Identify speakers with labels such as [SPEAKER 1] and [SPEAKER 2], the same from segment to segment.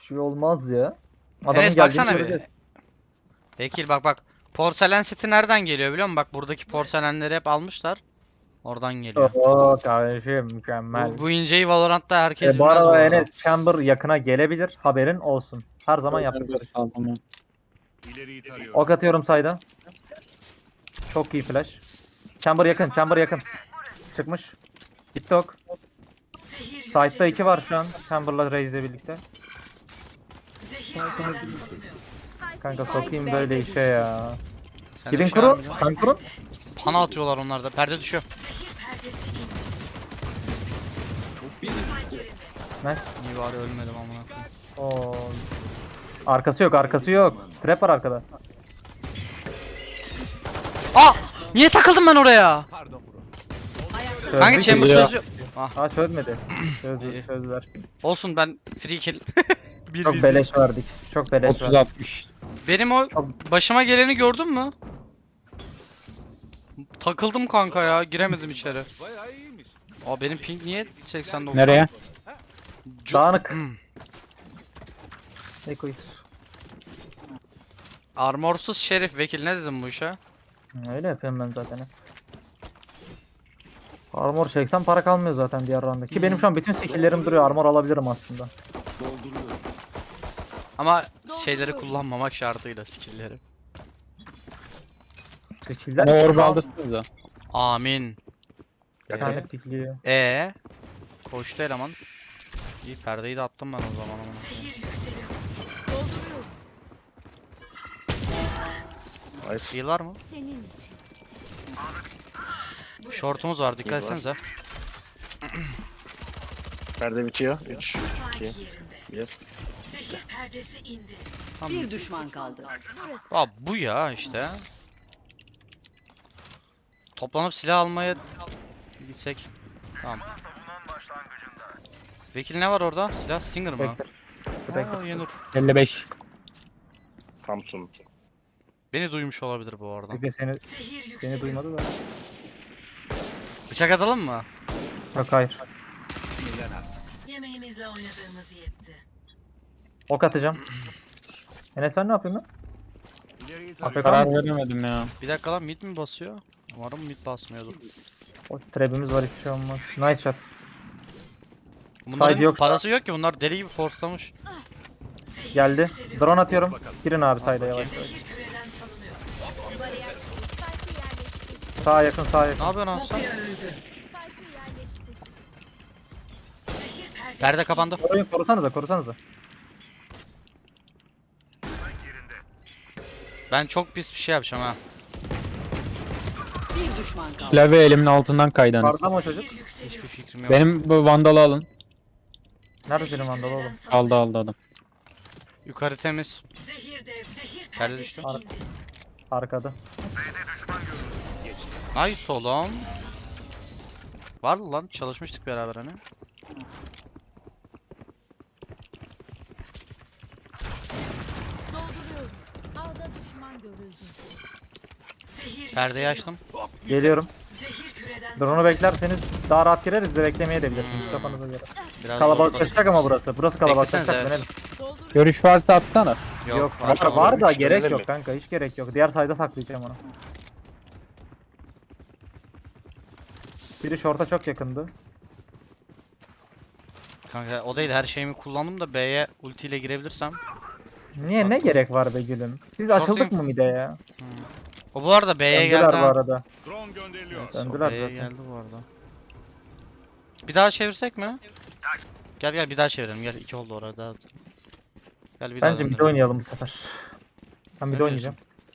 [SPEAKER 1] şey olmaz ya. Adamın
[SPEAKER 2] Enes
[SPEAKER 1] geldiğini
[SPEAKER 2] baksana bir.
[SPEAKER 1] göreceğiz.
[SPEAKER 2] Vekil bak. Porselen seti nereden geliyor biliyor musun? Bak buradaki porselenleri hep almışlar. Oradan geliyor.
[SPEAKER 1] Oo kardeşim mükemmel.
[SPEAKER 2] Bu inceyi Valorant'ta herkes
[SPEAKER 1] Bu
[SPEAKER 2] bilmez bu
[SPEAKER 1] arada
[SPEAKER 2] arada.
[SPEAKER 1] Enes Chamber yakına gelebilir. Haberin olsun. Her zaman yaptıkları şey.
[SPEAKER 3] Tamam.
[SPEAKER 4] İleriyi tarıyorum.
[SPEAKER 1] Ok atıyorum sayda. Çok iyi flash. Chamber yakın. Chamber yakın. Çıkmış. Gitti ok. Side'da 2 var şu an. Chamber'la Raze'le birlikte. Kanka sokayım böyle işe ya.
[SPEAKER 2] Sen de
[SPEAKER 1] Gidin
[SPEAKER 2] bir şey var
[SPEAKER 1] kurun.
[SPEAKER 2] mı?
[SPEAKER 1] Kan kurun.
[SPEAKER 2] Pana atıyorlar onlar da. Perde düşüyor.
[SPEAKER 1] Nice.
[SPEAKER 2] İyi bari ölmedim amına koyayım.
[SPEAKER 1] Oo. Arkası yok, arkası yok. Trap var arkada.
[SPEAKER 2] Aa! Niye takıldım ben oraya? Kanka
[SPEAKER 1] Çözdük.
[SPEAKER 2] chamber
[SPEAKER 3] ya.
[SPEAKER 2] çözüyor. Ah,
[SPEAKER 1] Aa çözmedi.
[SPEAKER 2] İyi.
[SPEAKER 1] Çözdüler.
[SPEAKER 2] olsun ben free kill. Bir
[SPEAKER 1] Çok
[SPEAKER 2] biz-
[SPEAKER 1] beleş verdik. Çok beleş
[SPEAKER 3] 30
[SPEAKER 1] verdik.
[SPEAKER 3] 60.
[SPEAKER 2] Benim o başıma geleni gördün mü? Takıldım kanka ya. Giremedim içeri.
[SPEAKER 4] Bayağı iyiymiş.
[SPEAKER 2] Aa benim ping niye 89?
[SPEAKER 3] Nereye?
[SPEAKER 1] Dağınık. Ekoyuz.
[SPEAKER 2] Armorsuz şerif vekil ne dedim bu işe?
[SPEAKER 1] Öyle yapıyorum ben zaten. Armor çeksem para kalmıyor zaten diğer roundda. Ki benim şu an bütün skill'lerim duruyor. Armor alabilirim aslında.
[SPEAKER 4] Dolduruyorum.
[SPEAKER 2] Ama şeyleri kullanmamak şartıyla skill'leri.
[SPEAKER 1] Skill'ler
[SPEAKER 3] Ama orba aldırsınız da.
[SPEAKER 2] Amin.
[SPEAKER 1] Yani pikliyor.
[SPEAKER 2] Koştu eleman. İyi perdeyi de attım ben o zaman ama.
[SPEAKER 4] Nice.
[SPEAKER 2] Heal var mı?
[SPEAKER 5] Senin için.
[SPEAKER 2] Shortumuz var dikkat etsenize.
[SPEAKER 4] Perde bitiyor. 3, 2, 1.
[SPEAKER 2] Tamam.
[SPEAKER 5] Bir düşman kaldı.
[SPEAKER 2] Aa bu ya işte. Toplanıp silah almaya gitsek. Tamam. Vekil ne var orada? Silah Stinger mı?
[SPEAKER 1] Spectre. Spectre.
[SPEAKER 2] Aa Yenur.
[SPEAKER 3] 55.
[SPEAKER 4] Samsun.
[SPEAKER 2] Beni duymuş olabilir bu arada.
[SPEAKER 1] Peki seni duymadı da.
[SPEAKER 2] Bıçak atalım mı?
[SPEAKER 1] Yok hayır.
[SPEAKER 5] Yemeğimizle oynadığımız yetti.
[SPEAKER 1] Ok atacağım. Enes sen ne yapıyorsun lan?
[SPEAKER 4] İleriyi
[SPEAKER 1] AFK
[SPEAKER 4] tarıyorum.
[SPEAKER 3] Karar
[SPEAKER 1] mı?
[SPEAKER 3] veremedim ya.
[SPEAKER 2] Bir dakika lan mid mi basıyor? Umarım mid basmıyordur.
[SPEAKER 1] O trap'imiz var hiçbir şey olmaz. Nice shot.
[SPEAKER 2] Bunların
[SPEAKER 1] Side yok şu
[SPEAKER 2] parası yok ki bunlar deli gibi forslamış.
[SPEAKER 1] Geldi. Drone atıyorum. Girin abi sayda yavaş yavaş. Sağa yakın sağa yakın.
[SPEAKER 2] Ne yapıyorsun abi sen?
[SPEAKER 5] Spike'ı yerleştir.
[SPEAKER 2] Perde kapandı.
[SPEAKER 1] Korusanıza.
[SPEAKER 2] Ben çok pis bir şey yapacağım ha.
[SPEAKER 5] Bir düşman kaldı.
[SPEAKER 3] Klavye elimin altından kaydı anasını.
[SPEAKER 1] Vardı mı o çocuk?
[SPEAKER 2] Hiçbir fikrim yok.
[SPEAKER 3] Benim bu vandalı alın.
[SPEAKER 1] Nerede senin vandal oğlum?
[SPEAKER 3] Aldı adam.
[SPEAKER 2] Yukarı temiz. Perde düştü.
[SPEAKER 1] Arkada.
[SPEAKER 2] Nice oğlum. Vardı lan çalışmıştık beraber hani.
[SPEAKER 5] Dolduruyorum. Ağda düşman görüldü.
[SPEAKER 2] Perdeyi açtım.
[SPEAKER 1] Geliyorum. Drone'u beklerseniz daha rahat gireriz de beklemeye de bilirsiniz kafanıza göre.
[SPEAKER 2] Biraz
[SPEAKER 1] Kalabalıklaşacak ama burası. Burası kalabalıklaşacak.
[SPEAKER 2] Beklesenize,
[SPEAKER 1] Dönelim.
[SPEAKER 5] Dolduruyorum.
[SPEAKER 3] Görüş varsa atsana.
[SPEAKER 2] Yok.
[SPEAKER 1] Var da
[SPEAKER 4] Üç
[SPEAKER 1] gerek
[SPEAKER 4] dönelim
[SPEAKER 1] yok
[SPEAKER 4] mi?
[SPEAKER 1] kanka. Hiç gerek yok. Diğer sayda saklayacağım onu. Biri short'a çok yakındı.
[SPEAKER 2] Kanka o değil her şeyimi kullandım da B'ye ultiyle girebilirsem.
[SPEAKER 1] Niye ne gerek var be gülüm? Biz
[SPEAKER 2] Short
[SPEAKER 1] açıldık
[SPEAKER 2] yok.
[SPEAKER 1] mı mide ya?
[SPEAKER 2] O bu arada B'ye
[SPEAKER 1] Döndüler
[SPEAKER 2] geldi
[SPEAKER 1] bu
[SPEAKER 2] ha.
[SPEAKER 1] arada.
[SPEAKER 4] Drone gönderiliyor.
[SPEAKER 1] Döndüler
[SPEAKER 2] B'ye
[SPEAKER 1] zaten.
[SPEAKER 2] geldi bu arada. Bir daha çevirsek mi? Gel bir daha çevirelim gel 2 oldu orada. Gel bir daha
[SPEAKER 1] Bence mide
[SPEAKER 2] döndürelim.
[SPEAKER 1] oynayalım bu sefer. Ben mide
[SPEAKER 2] Ne
[SPEAKER 1] oynayacağım.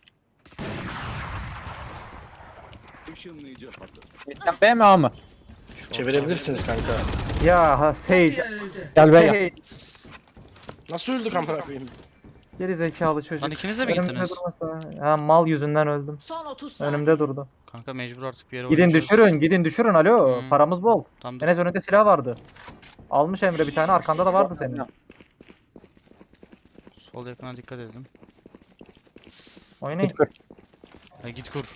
[SPEAKER 4] Işınlayıcı hazır.
[SPEAKER 3] Sen B mi A mı?
[SPEAKER 4] Çevirebilirsiniz kanka.
[SPEAKER 1] Ya ha Sage.
[SPEAKER 3] Gel B yap.
[SPEAKER 1] Hey,
[SPEAKER 4] Nasıl öldük amına koyayım?
[SPEAKER 1] geri zekalı çocuk.
[SPEAKER 2] Lan ikiniz de mi
[SPEAKER 1] Önümde
[SPEAKER 2] gittiniz?
[SPEAKER 1] durmasa. Ha mal yüzünden öldüm.
[SPEAKER 5] Son 30 saniye.
[SPEAKER 1] Önümde durdu.
[SPEAKER 2] Kanka mecbur artık bir yere
[SPEAKER 1] Gidin
[SPEAKER 2] oynayacağız.
[SPEAKER 1] gidin düşürün alo.
[SPEAKER 2] Hmm.
[SPEAKER 1] Paramız bol.
[SPEAKER 2] Tamam dur.
[SPEAKER 1] Enes önünde silah vardı. Almış Emre bir tane arkanda da vardı senin.
[SPEAKER 2] Sol yakına dikkat edin.
[SPEAKER 1] Oynayın.
[SPEAKER 3] Git kır.
[SPEAKER 2] Ha, git kur.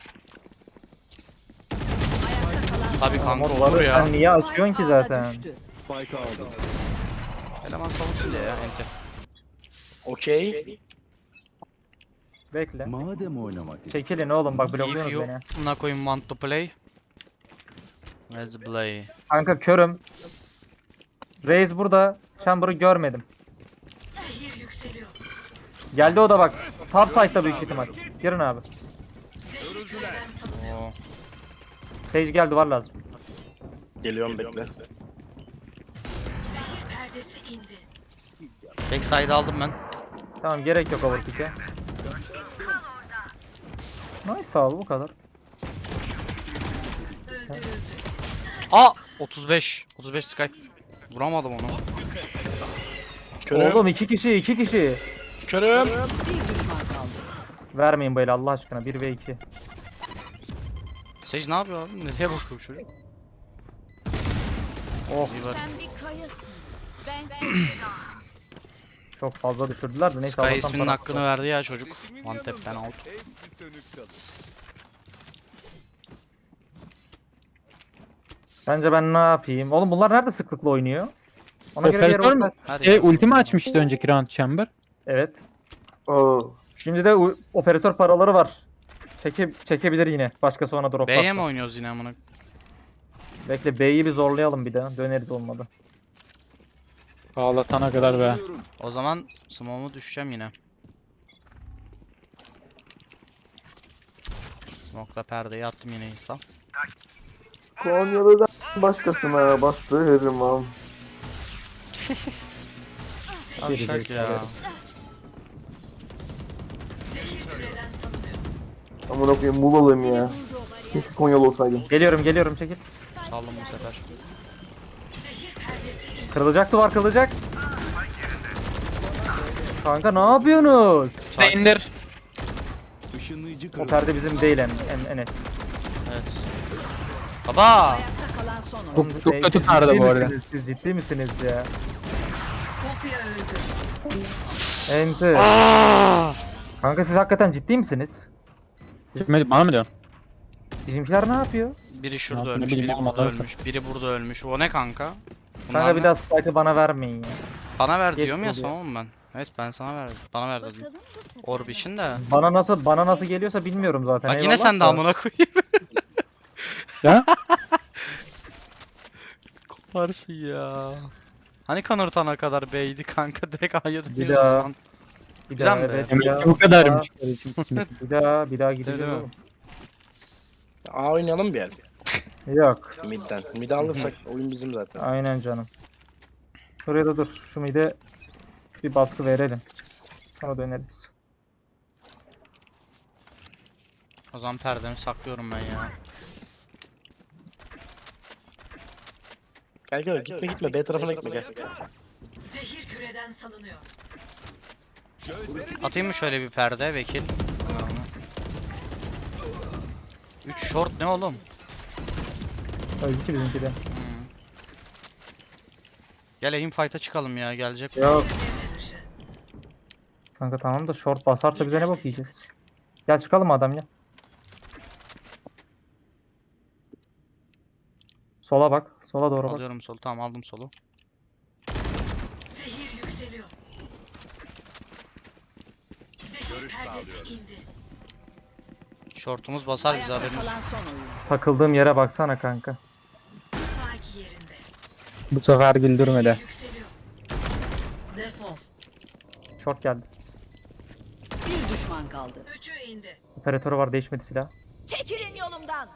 [SPEAKER 5] Ayakta kalan
[SPEAKER 2] Tabii kanka olur
[SPEAKER 1] Morları
[SPEAKER 2] ya.
[SPEAKER 1] sen niye açıyorsun ki
[SPEAKER 5] Ağda
[SPEAKER 1] zaten?
[SPEAKER 5] düştü.
[SPEAKER 4] Spike aldım.
[SPEAKER 2] Eleman savunsun diye ya ente.
[SPEAKER 4] Okey.
[SPEAKER 1] Bekle.
[SPEAKER 6] Madem oynamak istiyorsun.
[SPEAKER 1] Çekilin oğlum bak
[SPEAKER 2] If
[SPEAKER 1] blokluyorsunuz
[SPEAKER 2] you
[SPEAKER 1] beni.
[SPEAKER 2] buna koyayım want to play. Let's play.
[SPEAKER 1] Kanka körüm. Raze burada. Chamber'ı görmedim. Geldi o da bak. Top side'da büyük ihtimal. Girin abi.
[SPEAKER 2] Oo.
[SPEAKER 1] Sage geldi var lazım.
[SPEAKER 4] Geliyorum bekle.
[SPEAKER 2] Backside aldım ben.
[SPEAKER 1] Tamam gerek yok overkick'e. Nice abi bu kadar.
[SPEAKER 2] Aa 35. 35 Skype. Vuramadım onu.
[SPEAKER 4] Körüm.
[SPEAKER 1] Oğlum iki kişi.
[SPEAKER 4] Körüm.
[SPEAKER 1] Vermeyin böyle Allah aşkına 1 ve 2.
[SPEAKER 2] Sage ne yapıyor abi? Nereye bakıyor bu çocuk?
[SPEAKER 1] Oh
[SPEAKER 2] İyi var.
[SPEAKER 5] Sen bir kayasın. Ben
[SPEAKER 1] çok fazla düşürdüler de neyse
[SPEAKER 2] Sky
[SPEAKER 1] Allah'tan
[SPEAKER 2] isminin
[SPEAKER 1] para-
[SPEAKER 2] hakkını verdi ya çocuk. One tap'ten out.
[SPEAKER 6] Hepsi sönük kalır.
[SPEAKER 1] Bence ben ne yapayım? Oğlum bunlar nerede sıklıkla oynuyor? Ona göre bir yere
[SPEAKER 3] Operatör mü?
[SPEAKER 1] orta-
[SPEAKER 2] Her
[SPEAKER 3] Şey
[SPEAKER 2] yer.
[SPEAKER 3] ultimi açmıştı önceki round chamber.
[SPEAKER 1] Evet. Şimdi de operatör paraları var. Çekebilir yine. Başkası ona drop
[SPEAKER 2] B'ye mi
[SPEAKER 1] atarsa.
[SPEAKER 2] oynuyoruz yine amına?
[SPEAKER 1] Bekle B'yi bir zorlayalım bir daha. Döneriz olmadı.
[SPEAKER 3] Ağlatana kadar be.
[SPEAKER 2] O zaman smoke'u düşeceğim yine. Smoke'la perdeyi attım yine insta.
[SPEAKER 7] Konya'da da başkasına bastı Herrimam.
[SPEAKER 2] Şak ya.
[SPEAKER 7] Amına koyayım Muğla'lıyım ya. Keşke Konyalı olsaydım.
[SPEAKER 1] Geliyorum çekil.
[SPEAKER 2] Saldım bu sefer.
[SPEAKER 1] Kırılacak duvar kırılacak. Kanka ne yapıyorsunuz?
[SPEAKER 3] İndir.
[SPEAKER 6] Işınlayıcı
[SPEAKER 1] O
[SPEAKER 6] kırıldı.
[SPEAKER 1] perde bizim değil Enes.
[SPEAKER 2] Evet. Baba!
[SPEAKER 5] ayakta kalan son oyun.
[SPEAKER 1] Oğlum,
[SPEAKER 3] Çok kötü perde
[SPEAKER 1] ciddi
[SPEAKER 3] bu arada.
[SPEAKER 1] misiniz? Siz ciddi misiniz ya? Enti. Kanka siz hakikaten ciddi misiniz?
[SPEAKER 3] Kime, bana mı diyorsun?
[SPEAKER 1] Bizimkiler ne yapıyor?
[SPEAKER 2] Biri şurada
[SPEAKER 3] Ne
[SPEAKER 2] ölmüş,
[SPEAKER 3] bileyim
[SPEAKER 2] biri
[SPEAKER 3] oğlum,
[SPEAKER 2] burada
[SPEAKER 3] adamsın.
[SPEAKER 2] ölmüş, biri burada ölmüş. O ne kanka? Bunlar
[SPEAKER 1] Kanka bir
[SPEAKER 2] ne?
[SPEAKER 1] daha spike'ı bana vermeyin ya.
[SPEAKER 2] Bana ver
[SPEAKER 1] Geç
[SPEAKER 2] diyorum ya
[SPEAKER 1] oluyor.
[SPEAKER 2] sana oğlum ben. Evet ben sana verdim. Bana ver dedim.
[SPEAKER 5] Bakalım bu sefer
[SPEAKER 2] Orb için de.
[SPEAKER 1] Bana nasıl geliyorsa bilmiyorum zaten.
[SPEAKER 2] Bak yine
[SPEAKER 1] eyvallah
[SPEAKER 2] sen de
[SPEAKER 1] da.
[SPEAKER 2] amına koyayım.
[SPEAKER 3] Ya?
[SPEAKER 2] Koparsın ya. Hani kanırtana kadar B'ydi kanka direkt A'ya
[SPEAKER 1] Bir
[SPEAKER 2] dönüyorsun
[SPEAKER 1] daha.
[SPEAKER 2] lan.
[SPEAKER 1] Bir
[SPEAKER 2] Plan
[SPEAKER 1] daha
[SPEAKER 2] be.
[SPEAKER 1] evet.
[SPEAKER 3] Demek
[SPEAKER 1] Bir
[SPEAKER 3] ki
[SPEAKER 1] daha,
[SPEAKER 3] bu kadarmış kardeşim kısmet.
[SPEAKER 1] bir daha gideceğiz
[SPEAKER 2] Değil mi?
[SPEAKER 1] oğlum.
[SPEAKER 4] A oynayalım bir yer.
[SPEAKER 1] Yok.
[SPEAKER 4] Mid'den. Mid'i alırsak oyun bizim zaten.
[SPEAKER 1] Aynen canım. Şuraya da dur. Şu mide bir baskı verelim. Sonra döneriz.
[SPEAKER 2] O zaman perdemi saklıyorum ben ya.
[SPEAKER 4] Gel gitme B tarafına gitme gel.
[SPEAKER 2] Atayım mı şöyle bir perde vekil? 3 short ne oğlum?
[SPEAKER 1] Öldü ki bizimki de.
[SPEAKER 2] Gel aim fight'a çıkalım ya gelecek.
[SPEAKER 1] Yok. Kanka tamam da short basarsa bize ne bok yiyeceğiz? Gel çıkalım adam ya. Sola bak. Sola doğru bak.
[SPEAKER 2] Alıyorum solu tamam aldım solu. Shortumuz basar bize
[SPEAKER 5] ayakta
[SPEAKER 2] haberiniz.
[SPEAKER 5] kalan son oyun.
[SPEAKER 1] Takıldığım yere baksana kanka.
[SPEAKER 3] Bu sefer güldürmedi.
[SPEAKER 1] Short geldi.
[SPEAKER 5] Bir düşman kaldı.
[SPEAKER 1] Operatörü var değişmedi silah.
[SPEAKER 5] Çekilin yolumdan.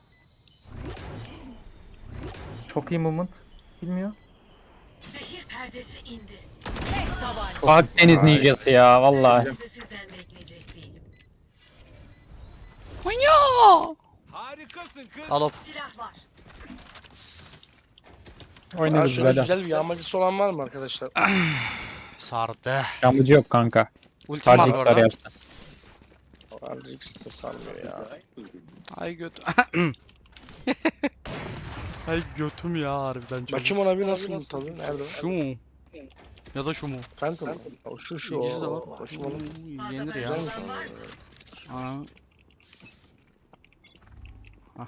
[SPEAKER 1] Çok iyi movement. Bilmiyor.
[SPEAKER 3] Akdeniz ninjası ya vallahi.
[SPEAKER 6] Harikasın kız.
[SPEAKER 2] Al hop.
[SPEAKER 4] Aa,
[SPEAKER 3] Oynarız
[SPEAKER 4] şöyle
[SPEAKER 3] böyle.
[SPEAKER 4] güzel bir yağmacısı olan var mı arkadaşlar?
[SPEAKER 2] Sardı.
[SPEAKER 3] Yağmacı yok kanka.
[SPEAKER 2] Ultim var
[SPEAKER 3] Sadece
[SPEAKER 2] bu
[SPEAKER 3] X var
[SPEAKER 2] arada.
[SPEAKER 3] yapsın.
[SPEAKER 4] Ardix de sarmıyor ya.
[SPEAKER 2] Ay göt. Ay götüm ya harbiden çok.
[SPEAKER 4] Bakayım ona bir nasıl tadı? Nerede o?
[SPEAKER 2] Şu mu? Ya da şu mu?
[SPEAKER 4] Phantom. O şu
[SPEAKER 2] İkisi de
[SPEAKER 4] o.
[SPEAKER 2] var.
[SPEAKER 4] Bakayım ona.
[SPEAKER 2] Yenir ya.
[SPEAKER 4] Güzelmiş.
[SPEAKER 2] Ana. Hah.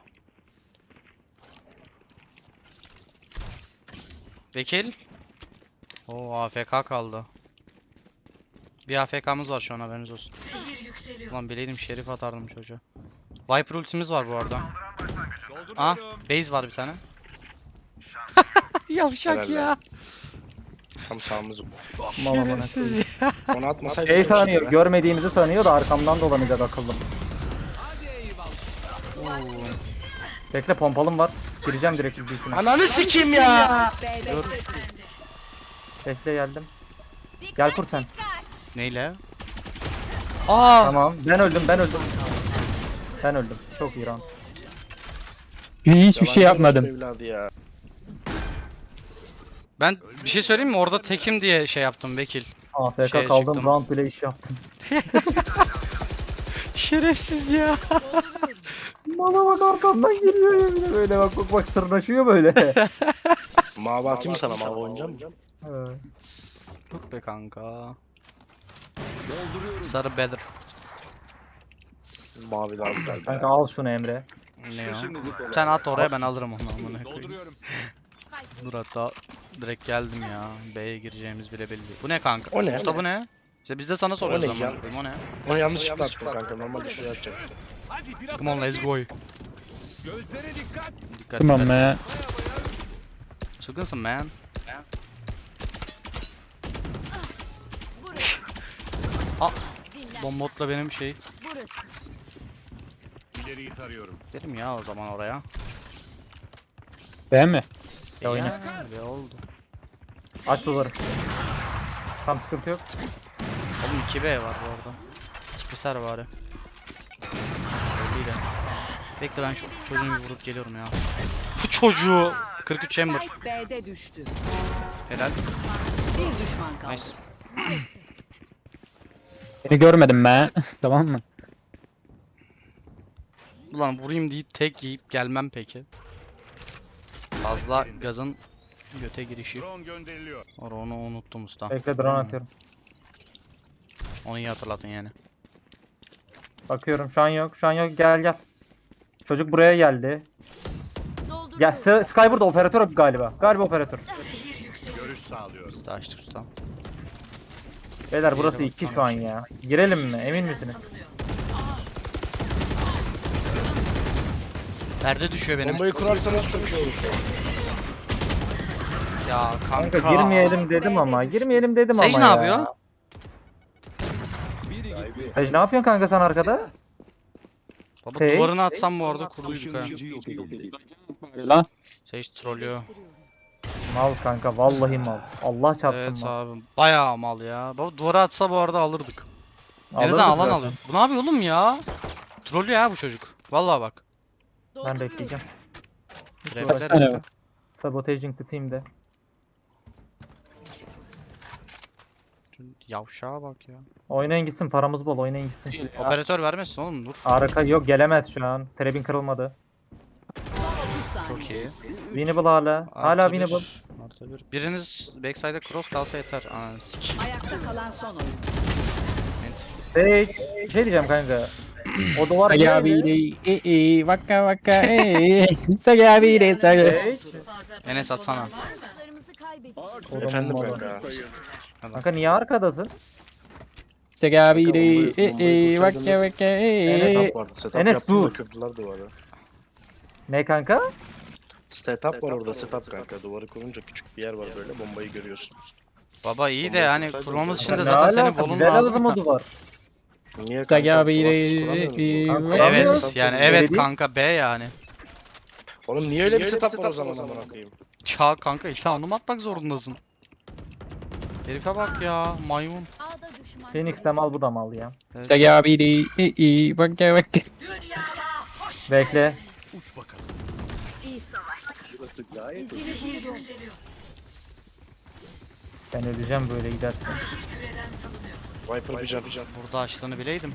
[SPEAKER 2] Vekil. O AFK kaldı. Bir AFK'mız var şu an, haberiniz olsun. Ulan bileydim şerif atardım çocuğa. Viper ultimiz var bu arada. Aa, base var bir tane. Yavşak
[SPEAKER 4] Helal
[SPEAKER 2] ya.
[SPEAKER 4] Tam sağımız.
[SPEAKER 2] Şerefsiz ya.
[SPEAKER 4] Onu atmasaydı.
[SPEAKER 1] Şey sanıyor, görmediğimizi sanıyor da arkamdan dolanacak akıllım. Bekle, pompalım var. Gireceğim direkt ultisine.
[SPEAKER 4] Ananı sikeyim ya.
[SPEAKER 5] B'de
[SPEAKER 1] Bekle, geldim. Gel kur sen.
[SPEAKER 2] Neyle? Aa,
[SPEAKER 1] Tamam. Ben öldüm. Ben öldüm. Çok iyi round.
[SPEAKER 3] Hiçbir şey yapmadım.
[SPEAKER 4] Evladı ya.
[SPEAKER 2] ben bir şey söyleyeyim mi? Orada tekim diye şey yaptım Bekil.
[SPEAKER 1] AFK
[SPEAKER 2] Şeye
[SPEAKER 1] kaldım,
[SPEAKER 2] çıktım.
[SPEAKER 1] round bile iş yaptım.
[SPEAKER 2] Şerefsiz ya.
[SPEAKER 1] Bana bak, arkamdan geliyor ya bir de böyle bak sırnaşıyor böyle.
[SPEAKER 4] Mavi atayım sana, mavi oynayacak mısın?
[SPEAKER 2] Dur be kanka. Sarı bedir.
[SPEAKER 4] Mavi daha güzel. be.
[SPEAKER 1] Kanka al şunu Emre.
[SPEAKER 2] Ne ya? Sen at oraya, ben alırım onu amına koyayım.
[SPEAKER 6] Dolduruyorum.
[SPEAKER 2] Dur hatta direkt geldim ya. B'ye gireceğimiz bile belli. Bu ne kanka?
[SPEAKER 4] O ne?
[SPEAKER 2] Usta bu ne? İşte biz de sana soruyoruz
[SPEAKER 4] ne
[SPEAKER 2] amına
[SPEAKER 4] ya?
[SPEAKER 2] koyayım, o ne?
[SPEAKER 4] Onu yanlışlıkla attım kanka. Normalde şuraya atacaktım.
[SPEAKER 6] Hadi biraz
[SPEAKER 2] Come on let's go.
[SPEAKER 6] gözlere dikkat.
[SPEAKER 2] Dikkat
[SPEAKER 3] Tamam
[SPEAKER 2] dikkat.
[SPEAKER 3] be.
[SPEAKER 2] Sıkınsın man. Bombotla benim şey.
[SPEAKER 5] burası.
[SPEAKER 6] İleriyi tarıyorum.
[SPEAKER 2] Derim ya o zaman oraya.
[SPEAKER 3] Değil mi?
[SPEAKER 1] Ya oyna.
[SPEAKER 2] Ya, ne oldu?
[SPEAKER 1] Aç duvarı. Tam sıkıntı yok.
[SPEAKER 2] Oğlum 2B var bu arada. Spiser bari. Belliydi. Bekle ben şu çocuğu bir vurup geliyorum ya. Bu çocuğu. 43 chamber.
[SPEAKER 5] Spike B'de düştü.
[SPEAKER 2] Helal.
[SPEAKER 5] Bir düşman kaldı.
[SPEAKER 2] Nice.
[SPEAKER 3] Seni görmedim be. Tamam mı?
[SPEAKER 2] Ulan vurayım deyip tek yiyip gelmem peki. Fazla gazın göte girişi.
[SPEAKER 6] Drone gönderiliyor.
[SPEAKER 2] Onu unuttum usta.
[SPEAKER 1] Bekle, drone atıyorum.
[SPEAKER 2] Onu iyi hatırlatın yani.
[SPEAKER 1] Bakıyorum, şu an yok. Gel. Çocuk buraya geldi. Gel, Sky burada, operatör galiba. Galiba operatör.
[SPEAKER 6] Görüş sağlıyor.
[SPEAKER 2] Biz de açtık usta.
[SPEAKER 1] Beyler burası
[SPEAKER 2] Diğeri
[SPEAKER 1] 2
[SPEAKER 2] bak,
[SPEAKER 1] şu an ya. Girelim mi? Emin misiniz?
[SPEAKER 2] Perde düşüyor benim.
[SPEAKER 4] Bombayı kurarsanız çok iyi olur.
[SPEAKER 2] Ya kanka.
[SPEAKER 1] Kanka girmeyelim dedim ama.
[SPEAKER 2] Sage ne yapıyor?
[SPEAKER 1] Sage ne yapıyorsun kanka sen arkada?
[SPEAKER 2] Baba
[SPEAKER 1] Sage?
[SPEAKER 2] duvarını atsam bu arada kurduyduk ha.
[SPEAKER 6] Işınlayıcı yok edildi.
[SPEAKER 3] Lan.
[SPEAKER 2] Sage trollüyor.
[SPEAKER 1] Mal kanka, vallahi mal. Allah çarpsın
[SPEAKER 2] Evet
[SPEAKER 1] mal.
[SPEAKER 2] abi. Bayağı mal ya. Baba duvara atsa bu arada alırdık. En
[SPEAKER 1] Alırdık
[SPEAKER 2] azından alan
[SPEAKER 1] zaten.
[SPEAKER 2] alıyor. Bu ne yapıyor oğlum ya? Trollüyor ya bu çocuk. Vallahi bak.
[SPEAKER 1] Ben bekleyeceğim.
[SPEAKER 2] Trapler
[SPEAKER 3] tane
[SPEAKER 2] yapıyor.
[SPEAKER 3] var?
[SPEAKER 1] Sabotaging the team'de.
[SPEAKER 2] Yavşağa bak ya.
[SPEAKER 1] Oynayın gitsin, paramız bol, oynayın gitsin.
[SPEAKER 2] Operatör vermesin oğlum, dur.
[SPEAKER 1] Arka yok, gelemez şu an. Trebin kırılmadı.
[SPEAKER 5] Son 30
[SPEAKER 2] Çok
[SPEAKER 5] saniye.
[SPEAKER 2] iyi.
[SPEAKER 1] Winnable hala. Hala
[SPEAKER 2] Artı bir,
[SPEAKER 1] winnable.
[SPEAKER 2] artı bir. Biriniz backside'e cross kalsa yeter. Ananı sikeyim.
[SPEAKER 5] Ayakta kalan son oyun.
[SPEAKER 1] Sage. Bir şey diyeceğim kanka. O duvar
[SPEAKER 3] Sagabiri. Vaka vaka. Sagabiri.
[SPEAKER 1] Sage.
[SPEAKER 2] Enes atsana.
[SPEAKER 5] Kızlarımızı kaybettik.
[SPEAKER 4] Efendim
[SPEAKER 1] Oğlum,
[SPEAKER 4] kanka.
[SPEAKER 1] Kanka niye arkadasın?
[SPEAKER 3] Sagabiri. Vaka vaka.
[SPEAKER 4] Setup vardı. Setup
[SPEAKER 1] Enes,
[SPEAKER 4] yaptım da
[SPEAKER 1] dur.
[SPEAKER 4] kırdılar duvarı.
[SPEAKER 1] Ne kanka?
[SPEAKER 4] Setup var orada, setup kanka. Duvarı kurunca küçük bir yer var böyle, bombayı görüyorsun.
[SPEAKER 2] Baba iyi de
[SPEAKER 4] Bombayı
[SPEAKER 2] yani
[SPEAKER 4] kursaydın
[SPEAKER 2] kurmamız
[SPEAKER 4] sen.
[SPEAKER 2] için de
[SPEAKER 1] Ne
[SPEAKER 2] zaten senin
[SPEAKER 1] alaka?
[SPEAKER 2] bolun
[SPEAKER 1] Bize lazım
[SPEAKER 2] lazım.
[SPEAKER 1] o duvar.
[SPEAKER 4] Niye kanka?
[SPEAKER 3] Sagabiri.
[SPEAKER 1] Kanka,
[SPEAKER 2] Evet
[SPEAKER 1] Kuramıyoruz.
[SPEAKER 2] yani
[SPEAKER 1] Öyle
[SPEAKER 2] evet
[SPEAKER 1] değil.
[SPEAKER 2] kanka B yani.
[SPEAKER 4] Oğlum niye öyle bir setup var o zaman amına koyayım?
[SPEAKER 2] Ya kanka işte onu atmak zorundasın. Herife bak ya maymun.
[SPEAKER 5] A'da düşman.
[SPEAKER 1] Phoenix de mal, bu da mal ya.
[SPEAKER 2] Evet.
[SPEAKER 3] Sagabiri. Vaka vaka.
[SPEAKER 1] Bekle.
[SPEAKER 6] Uç bakalım. Burası gayet
[SPEAKER 1] Ben öleceğim böyle gidersen.
[SPEAKER 4] Viper bir can.
[SPEAKER 2] Burada açtığını bileydim.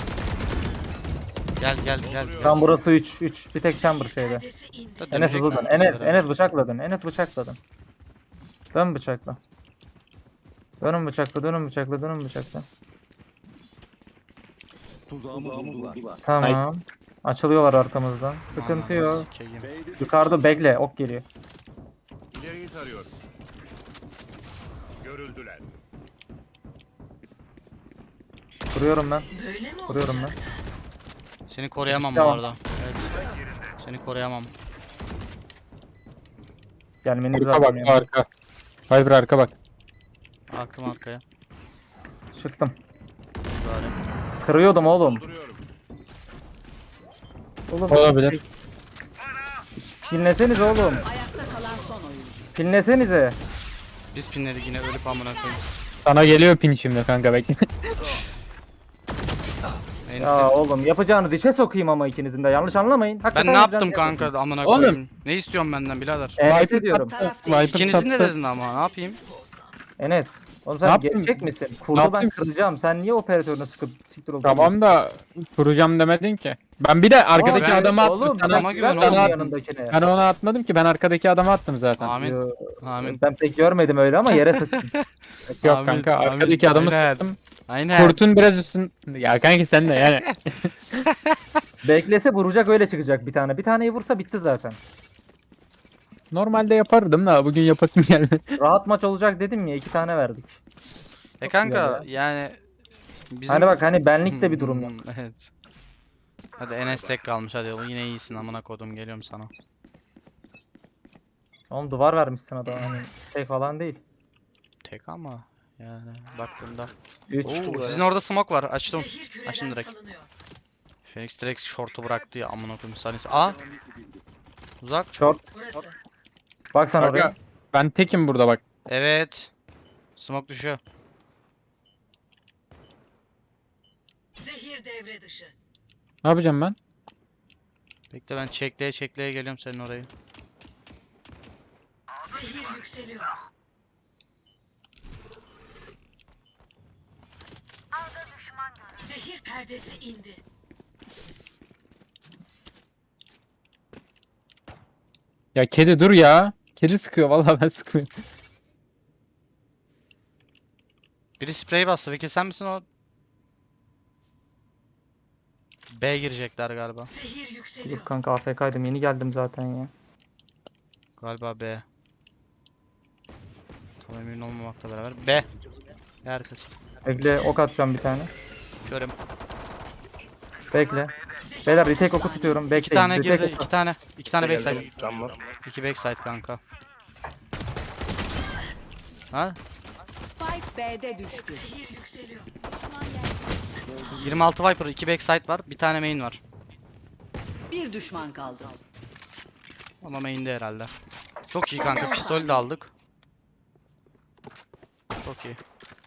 [SPEAKER 2] Gel gel gel.
[SPEAKER 1] Tam burası 3. Bir tek chamber şeyde. Enes hızlı dön. Enes bıçakladın. Enes bıçakladın. Dön bıçakla. Dönün bıçakla.
[SPEAKER 6] tuzağımı buldular.
[SPEAKER 1] Tamam. Açılıyorlar arkamızdan. Sıkıntı yok. Yukarıda bekle, ok geliyor.
[SPEAKER 6] İleriyi tarıyorum. Görüldüler.
[SPEAKER 1] Vuruyorum ben. Vuruyorum ben.
[SPEAKER 2] Seni koruyamam bu
[SPEAKER 1] Tamam.
[SPEAKER 2] arada. Evet. Seni koruyamam.
[SPEAKER 1] Gelmeniz
[SPEAKER 3] Arka bak
[SPEAKER 1] lazım yani.
[SPEAKER 3] arka. Viper arka bak.
[SPEAKER 2] Baktım arkaya.
[SPEAKER 1] Çıktım.
[SPEAKER 2] Böyle.
[SPEAKER 1] Kırıyordum oğlum. Oğlum.
[SPEAKER 3] Olabilir.
[SPEAKER 1] Pinlesenize oğlum.
[SPEAKER 5] Ayakta kalan son oyuncu.
[SPEAKER 1] Pinlesenize.
[SPEAKER 2] Biz pinledik yine ölüp amına koyayım.
[SPEAKER 3] Sana geliyor pin şimdi kanka bekle.
[SPEAKER 1] Ya oğlum yapacağınız işe sokayım ama ikinizin de yanlış anlamayın.
[SPEAKER 2] Ben
[SPEAKER 1] Hakikaten
[SPEAKER 2] ne yaptım
[SPEAKER 1] yapacağınız
[SPEAKER 2] kanka amına
[SPEAKER 3] Oğlum.
[SPEAKER 2] koyayım? Ne istiyorsun benden birader?
[SPEAKER 1] Enes diyorum.
[SPEAKER 5] Taraf
[SPEAKER 3] Viper
[SPEAKER 2] İkinizin de
[SPEAKER 3] sattı.
[SPEAKER 2] dedin ama ne yapayım?
[SPEAKER 1] Enes. Oğlum
[SPEAKER 3] Ne
[SPEAKER 1] sen
[SPEAKER 3] yaptın?
[SPEAKER 1] gerçek misin?
[SPEAKER 3] Ne
[SPEAKER 1] Kurdu ben
[SPEAKER 3] yaptın?
[SPEAKER 1] kıracağım. Sen niye operatörünü sıkıp siktir oldun?
[SPEAKER 3] Tamam da kuracağım demedin ki. Ben bir de arkadaki
[SPEAKER 2] ben-
[SPEAKER 3] adamı attım.
[SPEAKER 1] Oğlum
[SPEAKER 3] Sana,
[SPEAKER 2] adama
[SPEAKER 1] sen
[SPEAKER 2] güven
[SPEAKER 1] güven
[SPEAKER 2] oğlum
[SPEAKER 1] oğlum
[SPEAKER 3] attım.
[SPEAKER 1] yanındakine.
[SPEAKER 3] Ben ona atmadım ki ben arkadaki adamı attım zaten.
[SPEAKER 2] Amin.
[SPEAKER 1] Yo,
[SPEAKER 2] Amin.
[SPEAKER 1] Ben pek görmedim öyle ama yere sıktım.
[SPEAKER 3] Yok
[SPEAKER 2] Amin,
[SPEAKER 3] kanka
[SPEAKER 2] amin.
[SPEAKER 3] arkadaki adamı
[SPEAKER 2] Aynen.
[SPEAKER 3] sattım.
[SPEAKER 2] Aynen.
[SPEAKER 3] Kurtun biraz üstün. Ya kanki sen de yani.
[SPEAKER 1] Beklese vuracak öyle çıkacak bir tane. Bir taneyi vursa bitti zaten.
[SPEAKER 3] Normalde yapardım da bugün yapasım geldi.
[SPEAKER 1] Rahat maç olacak dedim ya 2 tane verdik.
[SPEAKER 2] Kanka
[SPEAKER 1] güzel
[SPEAKER 2] yani bizim...
[SPEAKER 1] Hani bak hani benlik de bir durum yok.
[SPEAKER 2] Evet. Hadi Enes tek kalmış hadi oğlum yine iyisin amına kodum geliyorum sana.
[SPEAKER 1] Oğlum duvar vermişsin adama hani şey falan değil.
[SPEAKER 2] Tek ama yani baktığımda.
[SPEAKER 1] 3
[SPEAKER 2] Oo, sizin orada smoke var açtım. Açtım direkt. Phoenix direkt short'u bıraktı ya amına koyayım saniyesi. Aa! Uzak.
[SPEAKER 1] short. Bak sen oraya.
[SPEAKER 3] Kanka ben tekim burada bak.
[SPEAKER 2] Evet. Smoke düşüyor.
[SPEAKER 5] Zehir devre dışı.
[SPEAKER 3] Ne yapacağım ben?
[SPEAKER 2] Bekle ben çekleye geliyorum senin orayı.
[SPEAKER 5] Zehir yükseliyor. Zehir perdesi indi.
[SPEAKER 3] Ya kedi dur ya. Kedi sıkıyor vallahi ben sıkmıyorum.
[SPEAKER 2] Biri sprey bastı. Peki sen misin o? B girecekler galiba.
[SPEAKER 5] Zehir yükseliyor.
[SPEAKER 1] Dur kanka AFK'ydım yeni geldim zaten ya.
[SPEAKER 2] Galiba B. Tam emin olmamakla beraber. B. B arkası.
[SPEAKER 1] Bekle ok atacağım bir tane.
[SPEAKER 2] Körüm.
[SPEAKER 1] Bekle. Beyler retake oku tutuyorum. Bekleyin.
[SPEAKER 2] İki tane
[SPEAKER 1] retake
[SPEAKER 2] girdi.
[SPEAKER 1] oku.
[SPEAKER 2] İki tane backside.
[SPEAKER 4] Geldim, cam var.
[SPEAKER 2] İki backside kanka. Ha?
[SPEAKER 5] Spike B'de düştü. Zehir yükseliyor.
[SPEAKER 2] 26 Viper, 2 backside var. Bir tane main var.
[SPEAKER 5] Bir düşman kaldı.
[SPEAKER 2] Ama main'de herhalde. Çok iyi kanka. Pistol de aldık. Çok iyi.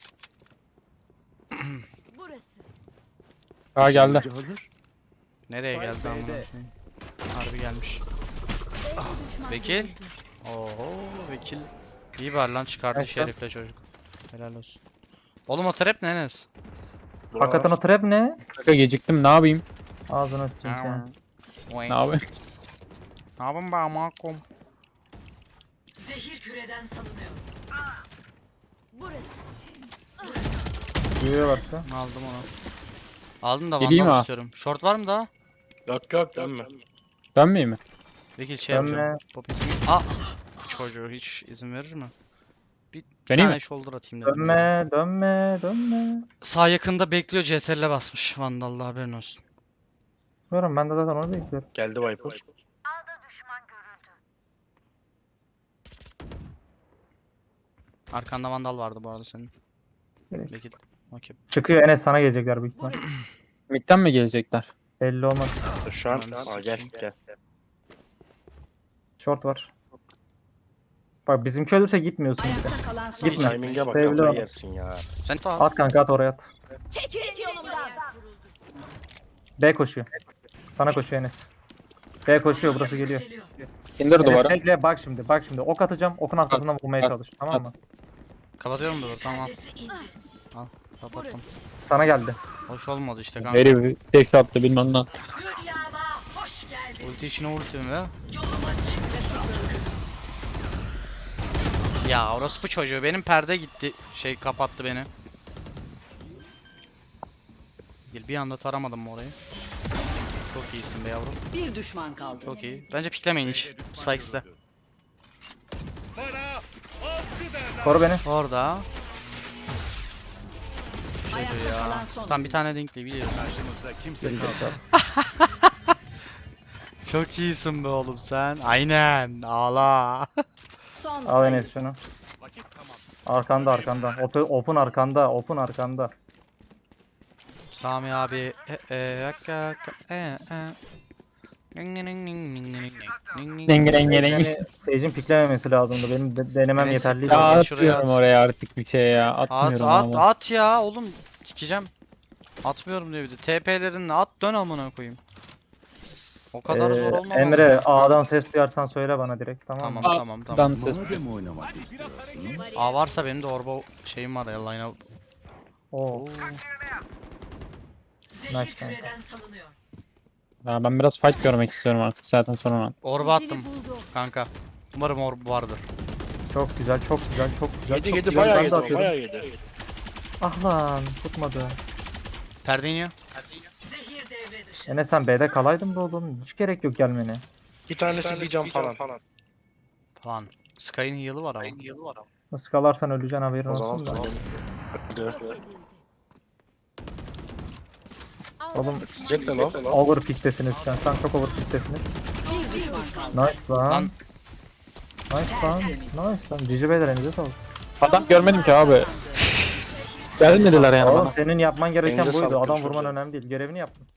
[SPEAKER 5] Burası.
[SPEAKER 3] Aa geldi.
[SPEAKER 6] Hazır.
[SPEAKER 2] Nereye geldi amına koyayım? Harbi gelmiş. Vekil. Oo, vekil. İyi var lan çıkardı
[SPEAKER 1] Evet,
[SPEAKER 2] şerifle çocuk. Helal olsun. Oğlum o trap ne Enes?
[SPEAKER 1] Hakikaten o trap ne?
[SPEAKER 3] Kanka geciktim ne yapayım?
[SPEAKER 1] Ağzına sıçayım sen.
[SPEAKER 2] Oy.
[SPEAKER 3] Ne yapayım?
[SPEAKER 2] Ne yapayım be amakom?
[SPEAKER 5] Zehir küreden salınıyor. Burası.
[SPEAKER 1] Duyuyor varsa.
[SPEAKER 2] Aldım onu. Aldım da
[SPEAKER 3] Geleyim
[SPEAKER 2] vandal
[SPEAKER 3] ha.
[SPEAKER 2] istiyorum. Short var mı daha?
[SPEAKER 4] Yok yok dönme.
[SPEAKER 3] Dönmeyeyim mi?
[SPEAKER 2] Vekil şey
[SPEAKER 1] Dönme.
[SPEAKER 2] yapacağım. Popins'in. Aa! Bu çocuğu hiç izin verir mi? Bir
[SPEAKER 3] Deneyim
[SPEAKER 2] tane
[SPEAKER 3] mi?
[SPEAKER 2] shoulder atayım dedim.
[SPEAKER 1] Dönme, dönme, dönme.
[SPEAKER 2] Sağ yakında bekliyor CTRL'e basmış. Vandal'la haberin olsun.
[SPEAKER 1] Bilmiyorum ben de zaten onu bekliyorum.
[SPEAKER 4] Geldi Viper.
[SPEAKER 2] Arkanda vandal vardı bu arada senin.
[SPEAKER 1] Evet.
[SPEAKER 2] Vekil. Okey.
[SPEAKER 1] Çıkıyor Enes sana gelecekler büyük ihtimal.
[SPEAKER 3] Mid'den mi gelecekler?
[SPEAKER 1] Belli olmaz.
[SPEAKER 4] Şu an.
[SPEAKER 2] Ben de
[SPEAKER 4] Aa, gel
[SPEAKER 2] sıçayım.
[SPEAKER 4] gel.
[SPEAKER 1] Short var. Bak bizimki ölürse gitmiyorsun bir de.
[SPEAKER 5] Ayakta kalan son
[SPEAKER 1] Gitme.
[SPEAKER 5] oyuncu.
[SPEAKER 4] Timing'e bak
[SPEAKER 1] Sevgili
[SPEAKER 4] kafayı
[SPEAKER 1] hanım.
[SPEAKER 4] yersin ya.
[SPEAKER 2] Sen de
[SPEAKER 1] At kanka at oraya at.
[SPEAKER 5] Çekilin yolumdan.
[SPEAKER 1] B koşuyor. Sana koşuyor Enes. B koşuyor burası geliyor.
[SPEAKER 5] Yükseliyor.
[SPEAKER 3] İndir
[SPEAKER 1] Enes
[SPEAKER 3] duvara.
[SPEAKER 1] bekle bak şimdi bak şimdi ok atacağım okun arkasından vurmaya
[SPEAKER 3] at,
[SPEAKER 1] çalış tamam mı?
[SPEAKER 2] kapatıyorum da tamam.
[SPEAKER 5] Perdesi indi.
[SPEAKER 2] Kapattım.
[SPEAKER 5] Burası.
[SPEAKER 1] Sana geldi.
[SPEAKER 2] Hoş olmadı işte kanka.
[SPEAKER 3] Herif tek attı bilmem ne.
[SPEAKER 5] Dünyama hoş geldin.
[SPEAKER 2] Ulti içine ultim ve
[SPEAKER 5] Yoluma çık.
[SPEAKER 2] ya orospu çocuğu benim perde gitti. Şey kapattı beni. Bir anda taramadım mı orayı? Çok iyisin be yavrum.
[SPEAKER 5] Bir düşman kaldı.
[SPEAKER 2] Çok iyi. Bence piklemeyin hiç. Spikes'te.
[SPEAKER 1] Koru beni.
[SPEAKER 2] Orada. çocuğu ya.
[SPEAKER 5] kalan son.
[SPEAKER 2] Tam bir tane dinkli biliyorum.
[SPEAKER 6] Karşımızda kimse
[SPEAKER 1] Gelecek
[SPEAKER 6] kalmadı.
[SPEAKER 1] yok.
[SPEAKER 2] Çok iyisin be oğlum sen. Aynen. Ağla.
[SPEAKER 5] Son
[SPEAKER 1] Al
[SPEAKER 5] sayı.
[SPEAKER 1] Enes şunu.
[SPEAKER 6] Vakit tamam.
[SPEAKER 1] Arkanda arkanda. Open arkanda. Open arkanda.
[SPEAKER 2] Sami abi.
[SPEAKER 3] Denge denge denge.
[SPEAKER 1] Yani Sage'in piklememesi lazımdı. Benim denemem
[SPEAKER 2] Evet,
[SPEAKER 1] yeterliydi.
[SPEAKER 3] Ya
[SPEAKER 2] Şuraya
[SPEAKER 3] atmıyorum
[SPEAKER 2] at.
[SPEAKER 3] oraya artık bir şey ya.
[SPEAKER 2] At
[SPEAKER 3] Atmıyorum
[SPEAKER 2] at
[SPEAKER 3] abi.
[SPEAKER 2] at ya oğlum. Sikeceğim. Atmıyorum diyor bir de. TP'lerini at dön amına koyayım. O kadar zor olmamalı.
[SPEAKER 1] Emre A'dan ses duyarsan söyle bana direkt, tamam mı?
[SPEAKER 2] Tamam tamam tamam.
[SPEAKER 3] Dan ses.
[SPEAKER 6] Madem oynamak istiyorsun.
[SPEAKER 2] A varsa benim de orba şeyim var ya line up.
[SPEAKER 1] Oo.
[SPEAKER 5] Zehir
[SPEAKER 1] Nice kanka.
[SPEAKER 5] küreden salınıyor.
[SPEAKER 3] Ya ben biraz fight görmek istiyorum artık zaten sonra.
[SPEAKER 2] Orba attım kanka. Umarım orb vardır.
[SPEAKER 1] Çok güzel, çok güzel, çok güzel.
[SPEAKER 4] Yedi
[SPEAKER 1] çok
[SPEAKER 4] yedi
[SPEAKER 1] güzel.
[SPEAKER 4] bayağı
[SPEAKER 1] Ben de
[SPEAKER 4] yedi o,
[SPEAKER 1] atıyorum.
[SPEAKER 4] bayağı yedi.
[SPEAKER 1] Ah lan tutmadı.
[SPEAKER 2] Perde iniyor.
[SPEAKER 5] Zehir devre dışı.
[SPEAKER 1] Enes sen B'de kalaydın be oğlum. Hiç gerek yok gelmene.
[SPEAKER 4] Bir tanesi bir cam falan.
[SPEAKER 2] Falan. Sky'ın heal'ı var ama.
[SPEAKER 1] Nasıl kalarsan öleceksin, haberin
[SPEAKER 4] O zaman
[SPEAKER 1] olsun da.
[SPEAKER 4] öldü.
[SPEAKER 1] Oğlum
[SPEAKER 4] Jet de lan.
[SPEAKER 1] overpick'tesiniz şu an. Şu an çok overpick'tesiniz.
[SPEAKER 5] Bir düşman kaldı.
[SPEAKER 1] Nice lan.
[SPEAKER 2] Lan.
[SPEAKER 1] Nice lan. Nice lan. Cici beyler elinize sağlık.
[SPEAKER 3] Adam görmedim ki abi. Gelmediler yani
[SPEAKER 1] Oğlum
[SPEAKER 3] bana.
[SPEAKER 1] senin yapman gereken
[SPEAKER 4] Elinize
[SPEAKER 1] buydu.
[SPEAKER 4] sağlık,
[SPEAKER 1] Adam
[SPEAKER 4] görüşmek
[SPEAKER 1] vurman
[SPEAKER 4] üzere.
[SPEAKER 1] önemli değil. Görevini yaptın.